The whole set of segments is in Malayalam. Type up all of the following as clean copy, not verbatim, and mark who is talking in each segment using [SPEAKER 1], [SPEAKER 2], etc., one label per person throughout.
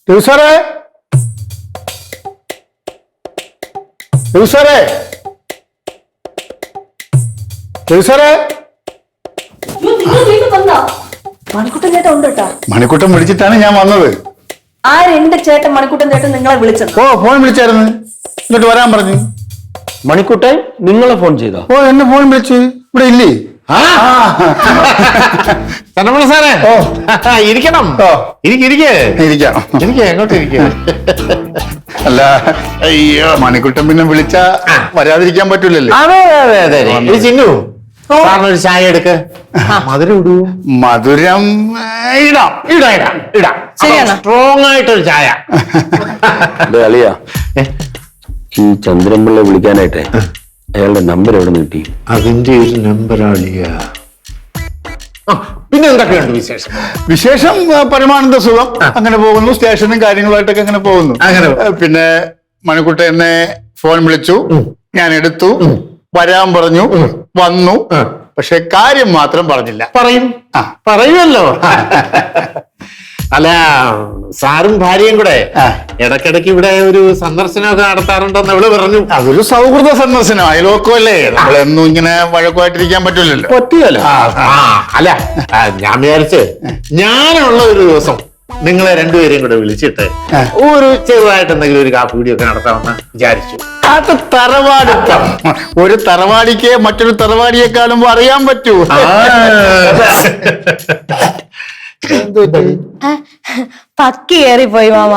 [SPEAKER 1] സാറേ സാറേ സാറേ
[SPEAKER 2] മണിക്കുട്ടൻ ചേട്ടൻ ഉണ്ട് കേട്ടോ.
[SPEAKER 1] മണിക്കുട്ടൻ വിളിച്ചിട്ടാണ് ഞാൻ വന്നത്.
[SPEAKER 2] ആരെന്റെ ചേട്ടൻ മണിക്കുട്ടൻ ചേട്ടൻ നിങ്ങളെ വിളിച്ചത്?
[SPEAKER 1] ഓ ഫോൺ വിളിച്ചായിരുന്നു, ഇങ്ങോട്ട് വരാൻ പറഞ്ഞു.
[SPEAKER 3] മണിക്കുട്ടൻ നിങ്ങളെ ഫോൺ ചെയ്തോ?
[SPEAKER 1] ഓ എന്നെ ഫോൺ വിളിച്ചു, ഇവിടെ ഇല്ലേ?
[SPEAKER 4] തന്നമണ സാറേ,
[SPEAKER 1] ഓ
[SPEAKER 4] ഇരിക്കണം.
[SPEAKER 1] ഇരിക്കാം.
[SPEAKER 4] എങ്ങോട്ട് ഇരിക്കുക?
[SPEAKER 1] അല്ല അയ്യോ, മണിക്കുട്ടൻ പിന്നെ വിളിച്ചാ വരാതിരിക്കാൻ പറ്റൂലല്ലോ.
[SPEAKER 4] അതെ അതെ അതെ. ചിന്നു സാറിനൊരു ചായ എടുക്ക്. മധുരം ഇടൂ.
[SPEAKER 1] മധുരം ഇടാം.
[SPEAKER 2] ശരിയാണ്.
[SPEAKER 4] സ്ട്രോങ് ആയിട്ടൊരു ചായ.
[SPEAKER 3] അളിയാ, ഈ ചന്ദ്രൻപിള്ളയെ വിളിക്കാനായിട്ടെ അയാളുടെ നമ്പർ എവിടെ നിന്ന് കിട്ടി?
[SPEAKER 4] അതിന്റെ ഒരു നമ്പറാളിയ. പിന്നെ എന്തൊക്കെയുണ്ട് വിശേഷം?
[SPEAKER 1] വിശേഷം പരമാനന്ദ സുഖം, അങ്ങനെ പോകുന്നു. സ്റ്റേഷനും കാര്യങ്ങളുമായിട്ടൊക്കെ അങ്ങനെ പോകുന്നു. പിന്നെ മണിക്കുട്ടൻ എന്നെ ഫോൺ വിളിച്ചു, ഞാൻ എടുത്തു, വരാൻ പറഞ്ഞു, വന്നു. പക്ഷെ കാര്യം മാത്രം പറഞ്ഞില്ല.
[SPEAKER 4] പറയുമല്ലോ. അല്ല, സാറും ഭാര്യയും കൂടെ ഇടക്കിടക്ക് ഇവിടെ ഒരു സന്ദർശനമൊക്കെ നടത്താറുണ്ടെന്ന് അവള് പറഞ്ഞു.
[SPEAKER 1] അതൊരു സൗഹൃദ സന്ദർശനം, അയലോക്കമല്ലേ, നമ്മളെന്നും ഇങ്ങനെ വഴക്കുമായിട്ടിരിക്കാൻ പറ്റൂലല്ലോ.
[SPEAKER 4] പറ്റിയല്ലോ. അല്ല, ഞാൻ വിചാരിച്ച് ഞാനുള്ള ഒരു ദിവസം നിങ്ങളെ രണ്ടുപേരെയും കൂടെ വിളിച്ചിട്ട് ഒരു ചെറുതായിട്ട് എന്തെങ്കിലും ഒരു കാപ്പുകൂടിയൊക്കെ നടത്താമെന്ന് വിചാരിച്ചു.
[SPEAKER 1] അത് തറവാടിത്തം. ഒരു തറവാടിക്ക് മറ്റൊരു തറവാടിയെ കാണുമ്പോ അറിയാൻ പറ്റൂ.
[SPEAKER 2] പക്കി കയറിപ്പോയി മാമ.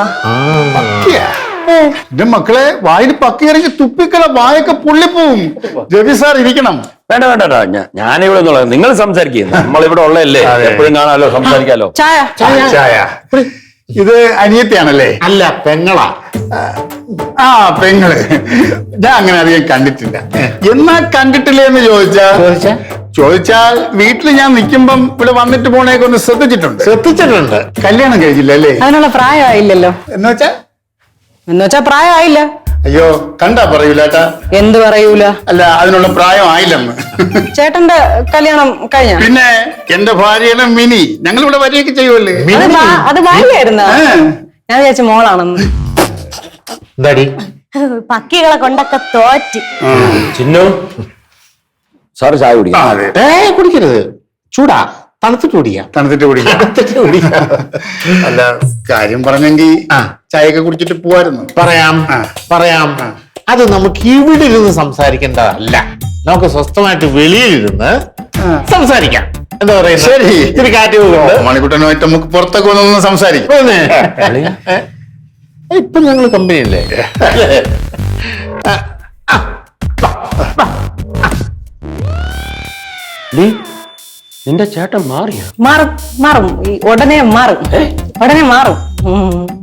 [SPEAKER 1] എന്റെ മക്കളെ, വായിൽ പക്കി ഇറങ്ങി തുപ്പിക്കള, വായൊക്കെ പൊള്ളിപ്പോവും. രവി സാർ ഇരിക്കണം.
[SPEAKER 3] വേണ്ട വേണ്ട, ഞാനിവിടെ നിന്നുള്ള നിങ്ങൾ സംസാരിക്കുക. നമ്മളിവിടെ ഉള്ളതല്ലേ, എപ്പോഴും കാണാലോ, സംസാരിക്കാലോ.
[SPEAKER 1] ചായ. ഇത് അനിയത്തിയാണല്ലേ?
[SPEAKER 4] അല്ല, പെങ്ങളാ.
[SPEAKER 1] ആ പെങ്ങള്. ഞാൻ അങ്ങനെ അധികം കണ്ടിട്ടില്ല. എന്നാ കണ്ടിട്ടില്ലേ എന്ന് ചോദിച്ചാൽ വീട്ടിൽ ഞാൻ നിൽക്കുമ്പം ഇവിടെ വന്നിട്ട് പോണേക്ക് ഒന്ന് ശ്രദ്ധിച്ചിട്ടുണ്ട്. കല്യാണം കഴിച്ചില്ല അല്ലേ?
[SPEAKER 2] അതിനുള്ള പ്രായമായില്ലല്ലോ.
[SPEAKER 1] എന്നുവെച്ചാ
[SPEAKER 2] പ്രായമായില്ല.
[SPEAKER 1] അയ്യോ, കണ്ടാ പറയൂലേട്ടാ.
[SPEAKER 2] എന്ത് പറയൂല?
[SPEAKER 1] അല്ല, അതിനുള്ള പ്രായം ആയില്ലെന്ന്.
[SPEAKER 2] ചേട്ടന്റെ കല്യാണം കഴിഞ്ഞ?
[SPEAKER 1] പിന്നെ എന്റെ ഭാര്യയുടെ മിനി, ഞങ്ങൾ ഇവിടെ വരികയൊക്കെ ചെയ്യുമല്ലേ.
[SPEAKER 2] അത് ഭാര്യയായിരുന്ന? ഞാൻ വിചാരിച്ച മോളാണെന്ന്. പക്കികളെ കൊണ്ടൊക്കെ തോറ്റി.
[SPEAKER 3] ചിന്നു, സാറ് ചായ കുടിക്കാം.
[SPEAKER 4] കുടിക്കരുത്, ചൂടാ. തണുത്തിട്ട് കുടിക്കാം.
[SPEAKER 1] അല്ല, കാര്യം പറഞ്ഞെങ്കിൽ ചായയൊക്കെ കുടിച്ചിട്ട് പോവായിരുന്നു.
[SPEAKER 4] പറയാം. അത് നമുക്ക് ഇവിടെ ഇരുന്ന് സംസാരിക്കേണ്ടതല്ല, നമുക്ക് സ്വസ്ഥമായിട്ട് വെളിയിലിരുന്ന് സംസാരിക്കാം. എന്താ പറയുക?
[SPEAKER 1] ശരി,
[SPEAKER 4] ഇത്തിരി കാറ്റ്
[SPEAKER 1] മണിക്കുട്ടനുമായിട്ട് നമുക്ക് പുറത്തൊക്കെ ഒന്ന് സംസാരിക്കാം.
[SPEAKER 4] ഇപ്പൊ ഞങ്ങള് കമ്പനിയല്ലേ?
[SPEAKER 3] നിന്റെ ചേട്ടൻ മാറിയോ?
[SPEAKER 2] മാറും. ഉടനെ മാറും.